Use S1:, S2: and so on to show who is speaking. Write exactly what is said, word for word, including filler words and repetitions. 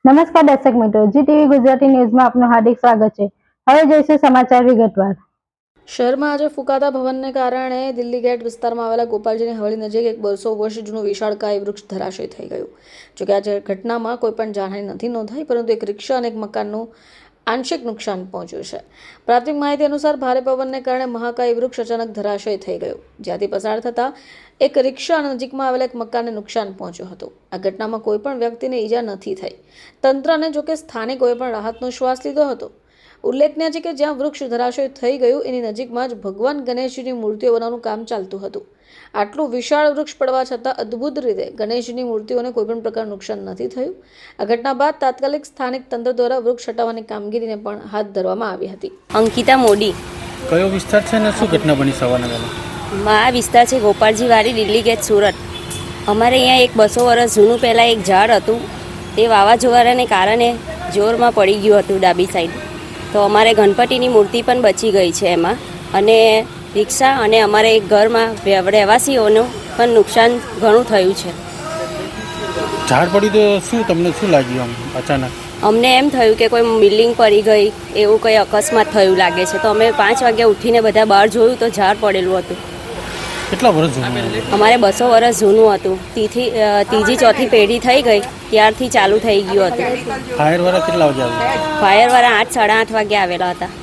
S1: નમસ્કાર દર્શક મિત્રો, જી ટીવી ગુજરાતી ન્યૂઝમાં આપનું હાર્દિક સ્વાગત છે। હવે જોઈશું સમાચાર વિગતવાર।
S2: શહેરમાં આજે ફૂંકાતા ભવનને કારણે દિલ્હી ગેટ વિસ્તારમાં આવેલા ગોપાલજીની હવેલી નજીક એક બસો વર્ષ જૂનું વિશાળકાય વૃક્ષ ધરાશય થઈ ગયું। જોકે આજે ઘટનામાં કોઈ પણ જાનહાનિ નથી નોંધાઈ, પરંતુ એક રિક્ષા અને એક મકાનનું આંશિક નુકસાન પહોંચ્યું છે। પ્રાથમિક માહિતી અનુસાર ભારે પવનને કારણે મહાકાય વૃક્ષ અચાનક ધરાશય થઈ ગયું, જ્યાંથી પસાર થતા એક રિક્ષા અને નજીકમાં આવેલા એક મકાનને નુકસાન પહોંચ્યું હતું। આ ઘટનામાં કોઈ પણ વ્યક્તિને ઈજા નથી થઈ। તંત્રને જોકે સ્થાનિકોએ પણ રાહતનો શ્વાસ લીધો હતો। ઉલ્લેખનીય છે કે જ્યાં વૃક્ષ ધરાશય થઈ ગયું એની નજીકમાં જ ભગવાન ગણેશજીની મૂર્તિઓ બનાવવાનું કામ ચાલતું હતું। આટલું વિશાળ વૃક્ષ પડવા છતાં અદ્ભુત રીતે ગણેશજીની મૂર્તિઓને કોઈપણ પ્રકારનું નુકસાન નથી થયું। આ ઘટના બાદ તાત્કાલિક સ્થાનિક તંત્ર દ્વારા વૃક્ષ હટાવવાની કામગીરીને પણ હાથ ધરવામાં આવી હતી।
S3: અંકિતા મોદી।
S4: કયો વિસ્તાર છે ને શું ઘટના બની સવારના વહેલા?
S3: આ વિસ્તાર છે ગોપાલજી વાડી, દિલ્હી ગેટ, સુરત। અમારે અહીંયા એક બસો વર્ષ જૂનું પહેલાં એક ઝાડ હતું, તે વાવાઝોડાને કારણે જોરમાં પડી ગયું હતું ડાબી સાઈડ, તો અમારે ગણપતિની મૂર્તિ પણ બચી ગઈ છે એમાં, અને રિક્ષા અને અમારે એક ઘરમાં રહેવાસીઓનું પણ નુકસાન ઘણું થયું છે।
S4: ઝાડ પડ્યું તો શું તમને શું લાગ્યું આમ અચાનક?
S3: અમને એમ થયું કે કોઈ બિલ્ડિંગ પડી ગઈ, એવું કંઈ અકસ્માત થયું લાગે છે, તો અમે પાંચ વાગ્યા ઉઠીને બધા બહાર જોયું તો ઝાડ પડેલું હતું।
S4: કેટલા વર્ષ જૂનું?
S3: અમારે બસો વર્ષ જૂનું હતું, તીથી ત્રીજી ચોથી પેઢી થઈ ગઈ ત્યારથી ચાલુ થઈ ગયું હતું।
S4: ફાયરવાળા કેટલા વાગે આવ્યા?
S3: ફાયરવાળા આઠ સાડા આઠ વાગે આવેલા હતા।